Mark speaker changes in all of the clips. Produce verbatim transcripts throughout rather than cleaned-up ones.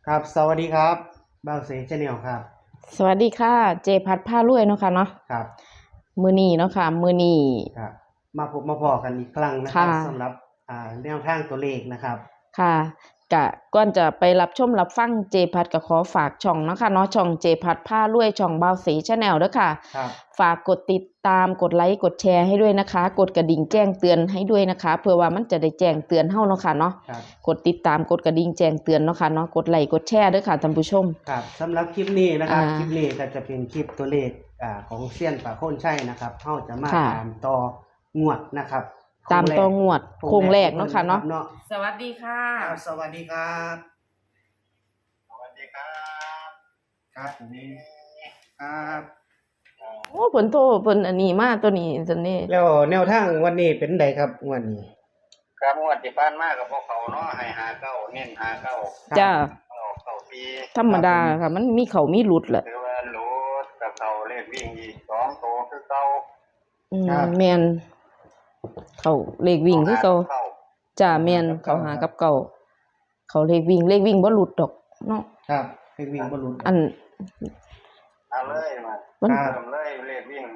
Speaker 1: ครับสวัสดีครับบ่าวเสชแนลครับ
Speaker 2: สวัสดีค่ะเจพัดผ้ารวยเนาะค่ะเนาะ
Speaker 1: ครับ
Speaker 2: มือนีเนาะค่ะมือนี
Speaker 1: ครับมาพบมาพอกันอีกครั้งนะครับ
Speaker 2: ค่ะ
Speaker 1: สำหรับอ่าแนวทางตัวเลขนะครับ
Speaker 2: ค่ะกะก่อนจะไปรับชมรับฟังเจพัดก็ขอฝากช่องเนาะค่ะเนาะช่องเจพัดผ้ารวยช่องบ่าวสีชาแนลเด้อค่ะ
Speaker 1: ครับ
Speaker 2: ฝากกดติดตามกดไลค์กดแชร์ให้ด้วยนะคะ กดกระดิ่งแจ้งเตือนให้ด้วยนะคะเพื่อว่ามันจะได้แจ้งเตือนเฮาเนาะค่ะเนาะ
Speaker 1: ครับ
Speaker 2: กดติดตามกดกระดิ่งแจ้งเตือนเนาะค่ะเนาะกดไลค์กดแชร์ด้วยค่ะท่านผู้ชม
Speaker 1: ครับสำหรับคลิปนี้นะครับ
Speaker 2: อ่า
Speaker 1: คลิปนี้ก็จะเป็นคลิปตัวเลขอ่าของเซียนป่าโคนชัยนะครับเฮาจะมา
Speaker 2: ค่ะ
Speaker 1: ตามต่องวดนะครับ
Speaker 2: ตามตัวงวดโครงแรกเนาะค่ะเนาะ
Speaker 1: เนาะ
Speaker 2: สวัสดีค่ะ
Speaker 1: ครับสวัสดีครับ
Speaker 3: สวัสดีครับ
Speaker 1: ครับผมครับ
Speaker 2: โอ้ผลโทผลอันนี้มาตัวนี้ตัวนี้
Speaker 1: แล้วแนวทางวันนี้เป็นไดครับงวดนี้
Speaker 3: ครับงวดที่ผ่านมากับพวกเขาเนาะให้หาเก้าเน้นหาเก้า
Speaker 2: จ้า
Speaker 3: ออกเก้าปี
Speaker 2: ธรรมดาค่ะ มันมีเขามีหลุดแหละ
Speaker 3: หรือว่าโหลดกับเขาเลขวิ่งอีกสองโตวคือเก้า
Speaker 2: อืมแม่นเขาเลขวิ่งคือเขา
Speaker 3: เข้า
Speaker 2: จ้าแม่นเขาหากับเก่าเขาเลขวิ่งเลขวิ่งบ่หลุดดอกเนาะ
Speaker 1: ครับเลขวิ่งบ่หลุด
Speaker 2: อัน
Speaker 3: เอาเลยมา
Speaker 2: มัน
Speaker 1: ครับ
Speaker 3: เริ่มเลยเลขวิ่ง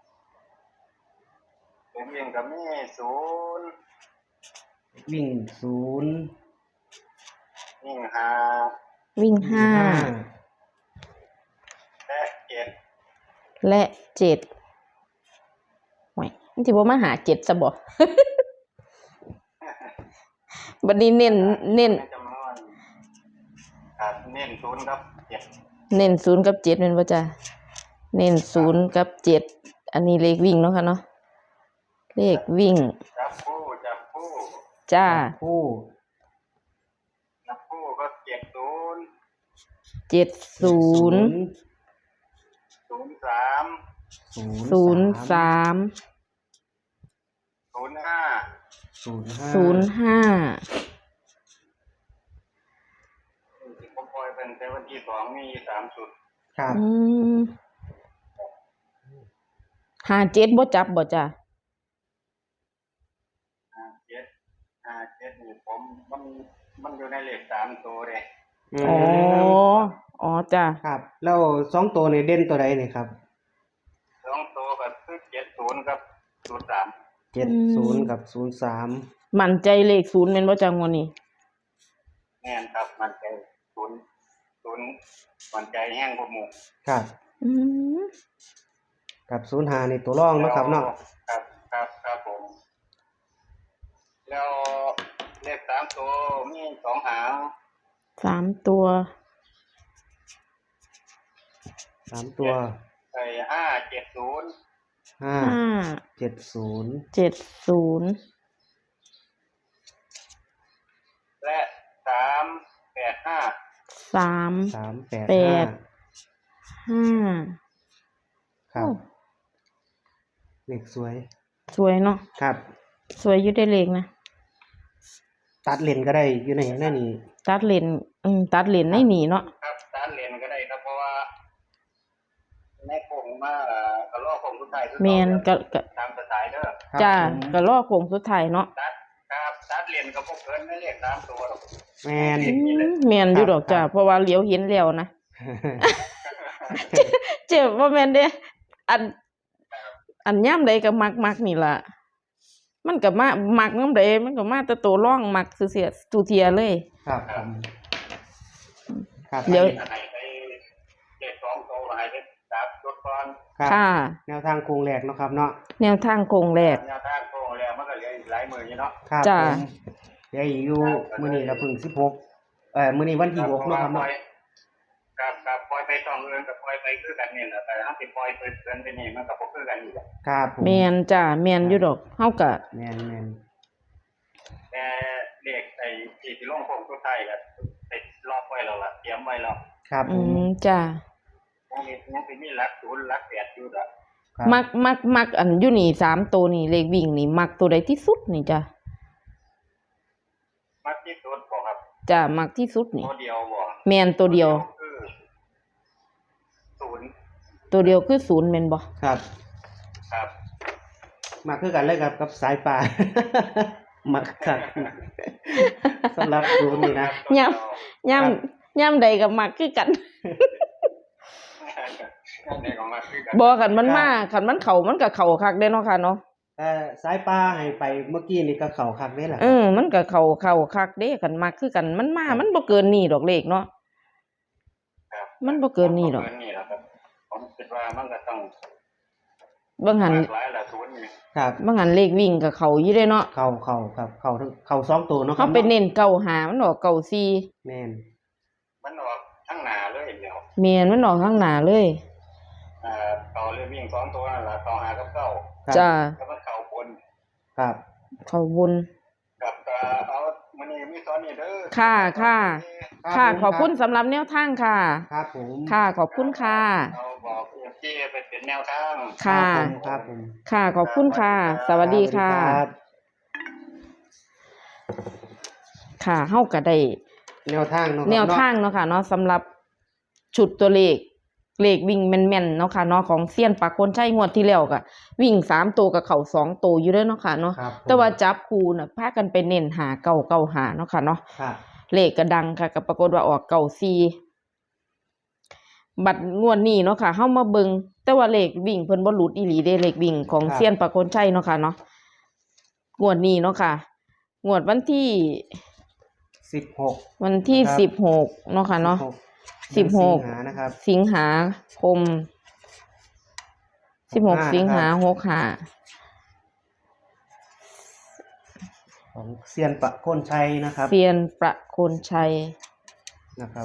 Speaker 3: เลขวิ่งกับมีศูนย์
Speaker 1: วิ่งศูนย์
Speaker 3: วิ่งหา
Speaker 2: วิ่งห้า
Speaker 3: และเจ็ด
Speaker 2: และเจ็ดโอ้ยมันสิบ่มาหาเจ็ดซะบ่ บัดนี้เน้นเน้น
Speaker 3: ในจำนวนครับเน้นศูนย์ครับเจ็ด
Speaker 2: เน้นศูนย์กับเจ็ดแม่นบ่จ้ะเน้นศูนย์กับเจ็ดอันนี้เลขวิ่งเนาะค่ะเนาะเลขวิ่ง
Speaker 3: จับคู่จับคู่
Speaker 2: จ้า
Speaker 1: คู่
Speaker 3: จับคู่ก็เจ็ดศูนย์
Speaker 2: เจ็ดศูนย์
Speaker 3: ศูนย์สาม
Speaker 2: ศูนย์สาม
Speaker 3: ศูนย์ห้า
Speaker 1: ศูนย์ห้า
Speaker 2: ศูนย์ห้า
Speaker 3: ที่ผมปล่อยเป็นแต่วันที่สองมีสามจุด
Speaker 1: ครับ
Speaker 2: อืมห้าเจ็ดบ่จับบ่จ้ะ
Speaker 3: ห้าเจ็ดห้าเจ็ดนี่ผมมันมันอยู่ในเลขสามตัวเลย
Speaker 2: อ๋ออ๋อจ้ะ
Speaker 1: ครับแล้วสองตัวในเด่นตัวใดนี่ครับ
Speaker 3: สองตัวก็คือเจ็ดศูนย์กับศูนย์สาม
Speaker 1: เจ็ดศูนย์กับศูนย์สาม
Speaker 2: มั่นใจเลขศูนย์แม่นบ่จังวะนี่
Speaker 3: แน่นครับมันใจศูนย์ศูนย์มันใจแห้งกว่าหมู
Speaker 1: ครับ
Speaker 2: อืม
Speaker 1: กับศูนย์ห้าในตัวร่องเนาะครับเนาะ
Speaker 3: ครับครับครับผม แล้วเลขสามตัวมีสองหาง
Speaker 2: สามตัว
Speaker 1: สามตัว
Speaker 3: ไอ้ห้าเจ็ดศูนย์
Speaker 1: ห้า
Speaker 2: ห้า
Speaker 1: เจ็ดศูนย์
Speaker 2: เจ็ดศูนย์
Speaker 3: และสามแปดห้า
Speaker 2: สาม
Speaker 1: สามแปด
Speaker 2: แป
Speaker 1: ห้า
Speaker 2: ด ห้า
Speaker 1: ครับ
Speaker 2: โอ้
Speaker 1: เลขสวย
Speaker 2: สวยเนาะ
Speaker 1: ครับ
Speaker 2: สวยอยู่ได้เลขนะ
Speaker 1: ตัดเลนก็ได้อยู่ในนั่นนี่
Speaker 2: ตัดเลนอืมตัดเลนในนี่เนาะ
Speaker 3: ครับสารเรียนก็ได้ครับเพราะว่าในโคงมาเอ่อกระลอกโคงสุดท้ายคือ
Speaker 2: แม่นก็ก็
Speaker 3: ตามสไตล์เด้อ
Speaker 1: ครับ
Speaker 2: จ้า
Speaker 1: ผม
Speaker 2: ก็รอโค้งสุดท้ายเนาะ
Speaker 3: ตัดครับตัดเรียนกับพวกเพิ่นไม่เรียกตามตัวหรอก
Speaker 1: แมน
Speaker 2: อืมแม่นอยู่ดอกจ้าเพราะว่าเหลียวเห็นแล้วนะ เจ็บว่าแม่นเด้อัน อันย่ำใดก็มักมักนี่ล่ะ มันก็มามักน้ำใดมันก็มาแต่ตัวร่องมักเสียตูเทียเลย
Speaker 1: ครับผมครับ
Speaker 2: เดี๋ยว
Speaker 3: ให้ไปเจ็ดสองโตให้ไปตัดรถก่อน
Speaker 1: ครับ
Speaker 2: ค่ะ
Speaker 1: แนวทางโครงแรกเนาะครับเนาะ
Speaker 2: แนวทางโคงแรก
Speaker 3: แนวทางโตแล้วมันก็เหลืออีกหลายมืออยู่เนาะ
Speaker 1: ครับ
Speaker 2: จ้า
Speaker 1: ผมเดี๋ยวอีกอยู่มื้อนี้ก็เพิ่งสิบหกเอ่อมื้อนี้วันที่หกเนาะครับ
Speaker 3: ปล่
Speaker 1: เนาะ
Speaker 3: อยครับครับปล่อยไปสองเรือนกับปล่อยไปคือกันนี่แหละแต่ถ้าสิปล่อยไปเดือนไปนี่มันก็บ่คือกันอยู่
Speaker 1: ครับผม
Speaker 2: แม่นจ้าแม่นอยู่ดอกเฮาก็
Speaker 1: แมนแมน
Speaker 3: แต่เลขไอ้ที่ที่ลงโคงสุดท้ายก็ติดรอบไว้แล้วล่ะเตรียมไว้แล้ว
Speaker 1: ครับผ
Speaker 2: อื
Speaker 1: ม
Speaker 2: มจ้า
Speaker 3: ยังมียังสิมีหลักศูนย์หลักแปดอยู่ละ
Speaker 1: ครับ
Speaker 2: มักมักมักอันอยู่นี่สามตัวนี่เลขวิ่งนี่มักตัวใดที่สุดนี่จ้ะ
Speaker 3: มักที่สุดบ่ครับ
Speaker 2: จ้ามักที่สุดนี่
Speaker 3: ตัวเดียวบ่
Speaker 2: แม่นตัวเดียว
Speaker 3: คือศูนย์
Speaker 2: ตัวเดียวคือศูนย์แม่นบ่
Speaker 1: ครับ
Speaker 3: ครับ
Speaker 1: มาคือกันเลยครับกับสายป่า มักครับสำหรับศูนย์นี่นะ
Speaker 2: ย่ำย่ย่ำใดก็มักคือกัน
Speaker 3: นั่นเองของมาคือกัน
Speaker 2: บ่คันมันมาคันมันเข้ามันก็เข้าคักเด้เนาะค่ะเนาะ
Speaker 1: แต่สายปลาให้ไปเมื่อกี้นี่ก็เข้าคักเด้ล่ะ
Speaker 2: เออมันก็เข้าเข้าคักเด้คันมักคือกันมันมามันบ่เกินนี้ดอกเลขเนาะ
Speaker 3: ครับ
Speaker 2: มันบ่เกินนี้ดอก
Speaker 3: บ่เกินนี่หรอกครับผมคิดว่ามันก็ต้อง
Speaker 2: บางหัน
Speaker 3: หลากหลายละทุนนี่
Speaker 1: ครับ
Speaker 2: บางหันเลขวิ่งก็เข้าอยู่เด้เนาะ
Speaker 1: เข้าเข้าครับเข้าทั้งเข้าสองตัวเนาะครั
Speaker 2: เฮา
Speaker 1: บ
Speaker 2: ไปเน้นเก้าหามันออกเก้าสี่
Speaker 1: แม่น
Speaker 3: มันออกทั้งหนาเลยเดียว
Speaker 2: แม่นมันออกข้างหน้าเลย
Speaker 3: อ่าต่อเรื่องวิ่งสองตัวนั่นล่ะต่อหากับเก้า
Speaker 1: ครับ
Speaker 2: จ้า
Speaker 3: แล้วมันเข้าบน
Speaker 1: ครับ
Speaker 2: เข้าบน
Speaker 3: กับก็เอามันนี่มีตอนนี้เด้อ
Speaker 2: ค่ะค่ะ ค่ะ
Speaker 1: ผม
Speaker 2: ขอบคุณสำหรับแนวทางค่ะ
Speaker 1: ครับผม
Speaker 2: ค่ะขอบคุณค่ะ
Speaker 3: เอาบอกเอฟซีไปเป็นแนวทาง
Speaker 2: ค่ะ
Speaker 1: ครับผม
Speaker 2: ค่ะขอบคุณค่ะ สวัสดีค่ะ
Speaker 1: ครับ
Speaker 2: ค่ะเฮาก็ได้
Speaker 1: แนวทางเนาะครับ
Speaker 2: แนวทางเนาะค่ะเนาะสำหรับชุดตัวเลขเลขวิ่งแม่นๆเนาะค่ะเนาะของเซียนปากคนใช้งวดที่แล้วก็วิ่งสามตัวกับเข่าสองตัวอยู่เด้อเนาะค่ะเนาะ
Speaker 1: ครับผม
Speaker 2: แต่ว่าจับคู่น่ะพากันไปเน้นหาเก่าเก่าหาเนาะค่ะเนาะ
Speaker 1: ครับ
Speaker 2: เลขก็ดังค่ะก็ปรากฏว่าออกเก่าสี่บัดงวดนี้เนาะค่ะเฮามาเบิ่งแต่ว่าเลขวิ่งเพิ่นบ่หลุดอีหลีเด้เลขวิ่งของเซียนปากคนใช้เนาะค่ะเนาะงวดนี้เนาะค่ะงวดวันที่
Speaker 1: สิบหก
Speaker 2: วันที่
Speaker 1: ครับ
Speaker 2: สิบหกเนาะค่ะเนาะ สิบหก
Speaker 1: สิงหานะครับ
Speaker 2: สิงหาคมสิบหก
Speaker 1: หกห้า
Speaker 2: สิงหา
Speaker 1: นะครับ
Speaker 2: หกห้า
Speaker 1: ของเซียนปะโคนชัยนะครับ
Speaker 2: เซียนประโคนชัย
Speaker 1: นะครับ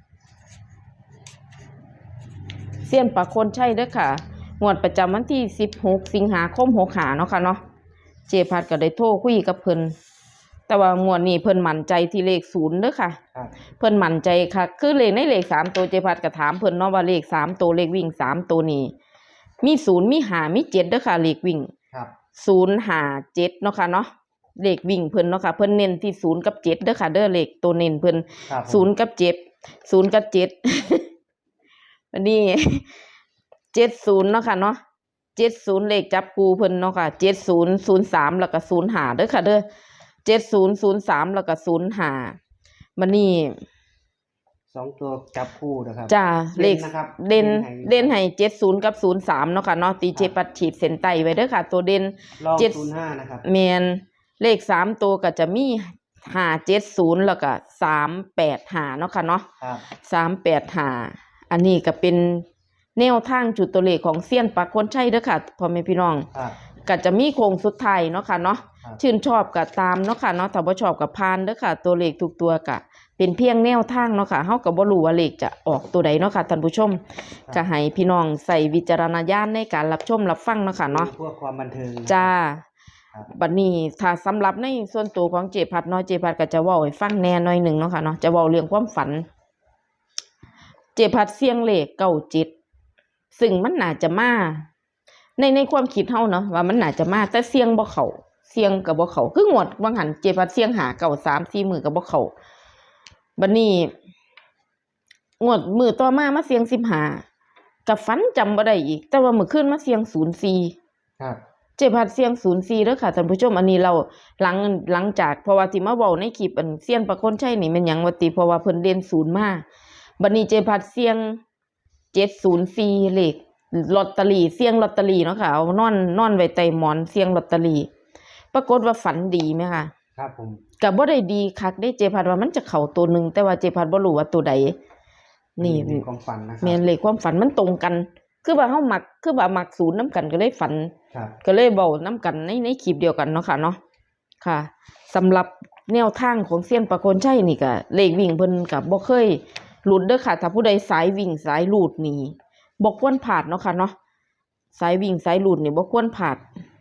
Speaker 2: เซียนประโคนชัยเด้อค่ะงวดประจำวันที่สิบหกสิงหาคมหกห้าเนาะค่ะเนาะเจพัดก็ได้โทรคุยกับเพิ่นแต่ว่างวดนี้เพิ่นมั่นใจที่เลขศูนย์เด้อค่ะ
Speaker 1: ครับ
Speaker 2: เพิ่นมั่นใจค่ะคือเลขในเลขสามตัวเจพัดก็ถามเพิ่นเนาะว่าเลขสามตัวเลขวิ่งสามตัวนี้มีศูนย์มีห้ามีเจ็ดเด้อค่ะเลขวิ่ง
Speaker 1: ครับ
Speaker 2: ศูนย์ห้าเจ็ดเนาะค่ะเนาะเลขวิ่งเพิ่นเนาะค่ะเพิ่นเน้นที่ศูนย์กับเจ็ดเด้อค่ะเด้อเลขตัวเน้นเพิ่น
Speaker 1: ครับผม
Speaker 2: ศูนย์กับเจ็ดศูนย์กับเจ็ด วันนี้ เจ็ดศูนย์เนาะค่ะเนาะเจ็ดศูนย์เลขจับกูเพิ่นเนาะค่ะเจ็ดศูนย์ศูนย์สามแล้วก็ศูนย์ห้าเด้อค่ะเด้อเจ็ดศูนย์ศูนย์สามแล้วก็ศูนย์ห้าวันนี้
Speaker 1: สองตัวจับคู่นะครับ
Speaker 2: จ้าเลข
Speaker 1: นะครับ
Speaker 2: เด่น
Speaker 1: ให้
Speaker 2: เด่นให้เจ็ดศูนย์กับศูนย์สามเนาะค่ะเนาะตีเจปัดฉีดเส้นใต้ไว้เด้อค่ะ ตัวเด่น
Speaker 1: ลอง
Speaker 2: เจ็ด
Speaker 1: ศูนย์ห้านะครับ
Speaker 2: แมนเลขสามตัวก็จะมีห้าเจ็ดศูนย์แล้วก็สามแปดห้าเนาะค่ะเนาะ
Speaker 1: ครับ
Speaker 2: สามแปดห้าอันนี้ก็เป็นแนวทางจุดตัวเลขของเซียนปากคนใช่เด้อค่ะพ่อแม่พี่น้อง
Speaker 1: ครับ
Speaker 2: ก็จะมีโครงสุดท้ายเนาะค่ะเนาะ
Speaker 1: ครับ
Speaker 2: ชื่นชอบก็ตามเนาะค่ะเนาะถ้าบ่ชอบก็ผ่านเด้อค่ะ ตัวเลขทุกตัวก็เป็นเพียงแนวทางเนาะค่ะเฮาก็บ่รู้ว่าเลขจะออกตัวใดเนาะค่ะท่านผู้ชมก็ให้พี่น้องใส่วิจารณญาณในการรับชมรับฟังเนาะค่ะเนาะ
Speaker 1: เพื่อความบันเทิงนะครับ
Speaker 2: จ้า
Speaker 1: ครับ
Speaker 2: บัดนี้ถ้าสำหรับในส่วนตัวของเจพัดเนาะเจพัดก็จะเว้าให้ฟังแหน่หน่อยหนึ่งเนาะค่ะเนาะจะเว้าเรื่องความฝัน เจพัดเสียงเลขเก้าเจ็ดซึ่งมันน่าจะมาในในความคิดเฮาเนาะว่ามันน่าจะมาแต่เสียงบ่เข้าเสียงก็บ่เข้าคืองวดบางหันเจพัดเสียงหาเก้าสาม สี่มื้อก็บ่เข้าบัดนี้งวดมื้อต่อมามาเสียงสิบห้าก็ฝันจำบ่ได้อีก แต่ว่ามื้อคืนมาเสียงศูนย์สี่
Speaker 1: ครับ
Speaker 2: เจ็บหัดเสียงศูนย์สี่เด้อค่ะท่านผู้ชมอันนี้เราหลังหลังจากเพราะว่าที่มาเว้าในคลิปอันเสียนประคนใช่นี่แม่นหยังว่าติเพราะว่าเพิ่นเด่นศูนย์มาบัดนี้เจ็บหัดเสียงเจ็ดศูนย์สี่เลขลอตเตอรี่เสียงลอตเตอรี่เนาะค่ะเอานอนนอนไว้ใต้หมอนเสียงลอตเตอรี่ปรากฏว่าฝันดีไหมคะ
Speaker 1: ครับผม
Speaker 2: ก็บ่ได้ดีคักได้เจ็บหัดว่ามันจะเข้าตัวหนึงแต่ว่าเจ็บหัดบ่รู้ว่าตัวใดนี่
Speaker 1: เป็นความฝันนะครั
Speaker 2: แม่นเลขความฝันมันตรงกัน คือว่าเฮามักคือว่ามักศูนย์นํกันก็เลยฝัน
Speaker 1: ครับ
Speaker 2: ก็เลยเบาน้ำกันในในคลิปเดียวกันเนาะค่ะเนาะค่ะสำหรับแนวทางของเซียนประโคนชัยนี่ก็เลขวิ่งเพิ่นก็บ่เคยหลุดเด้อค่ะถ้าผู้ใดสายวิ่งสายหลุดนี่บ่ควรพลาดเนาะค่ะเนาะสายวิ่งสายหลุดนี่บ่ควรพลาด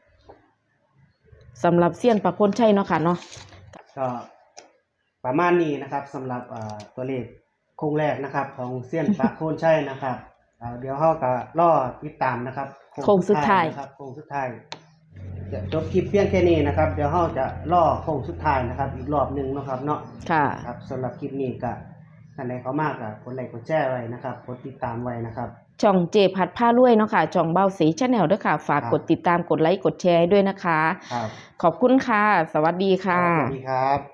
Speaker 2: สำหรับเซียนประโคนชัยเนาะค่ะเนาะ
Speaker 1: ก็ประมาณนี้นะครับสำหรับเอ่อตัวเลขโครงแรกนะครับ ของเซียนปะโคนชัยนะครับเอ่อเดี๋ยวเราก็รอติดตามนะครับ
Speaker 2: โค้งสุดท้าย
Speaker 1: นะครับโค้งสุดท้ายจะจบคลิปเพียงแค่นี้นะครับ เดี๋ยวเราจะรอโค้งสุดท้ายนะครับ อีกรอบหนึ่งนะครับเนาะ
Speaker 2: ค่ะ
Speaker 1: ครับสำหรับคลิปนี้ก็ท่านใดเขามากก็กดไลค์กดแชร์ไว้นะครับกดติดตามไว้นะครับ
Speaker 2: ช่องเจพัดผ้ารวยเนาะค่ะช่องเบาสีชาแนลด้วยค่ะ ฝาก
Speaker 1: ครับ
Speaker 2: กดติดตามกดไลค์กดแชร์ให้ด้วยนะคะ
Speaker 1: ครับ
Speaker 2: ขอบคุณค่ะ สวัสดีค่ะ
Speaker 1: สวัสดีครับ